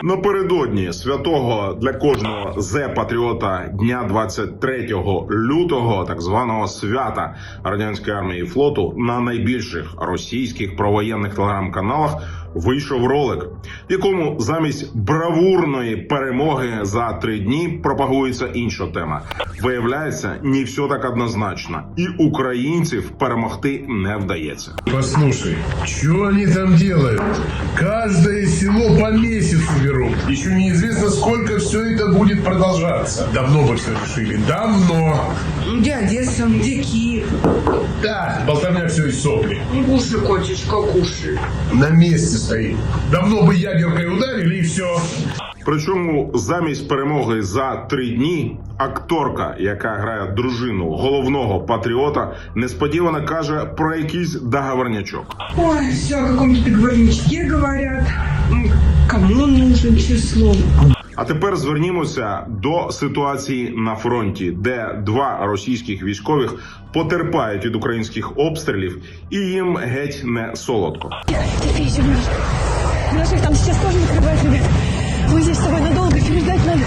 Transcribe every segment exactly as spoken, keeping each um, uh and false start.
Напередодні святого для кожного зе-патріота дня двадцять третього лютого, так званого свята радянської армії і флоту, на найбільших російських провоєнних телеграм-каналах вийшов ролик, в якому замість бравурної перемоги за три дні пропагується інша тема. Виявляється, не все так однозначно, і українців перемогти не вдається. Послушай, что они там делают? Каждое село по месяцу берут. Еще неизвестно, сколько все это будет продолжаться. Давно бы все решили. Давно. Где Одесса, где Киев? Да, болтовня все из сопли. Кушай, котечка, кушай. На месте стоит. Давно бы ядеркой ударили и все. Причому замість перемоги за три дні акторка, яка грає дружину головного патріота, несподівано каже про якийсь договорнячок. Ой, все о каком-то договорничке говорят. М, Кому он нужен, число? А тепер звернімося до ситуації на фронті, де два російських військових потерпають від українських обстрілів і їм геть не солодко. Терпи еще немножко. Наших там сейчас тоже накрывает, ребят. Мы здесь с тобой надолго, переждать надо.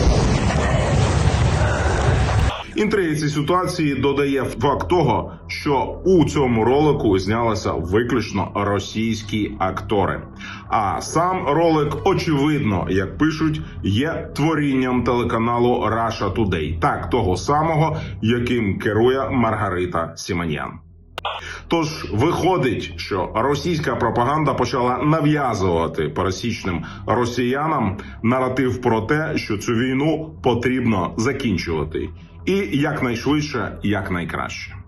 Інтриги цієї ситуації додає факт того, що у цьому ролику знялися виключно російські актори. А сам ролик, очевидно, як пишуть, є творінням телеканалу Russia Today, так того самого, яким керує Маргарита Сімоньян. Тож виходить, що російська пропаганда почала нав'язувати пересічним росіянам наратив про те, що цю війну потрібно закінчувати. І якнайшвидше, якнайкраще.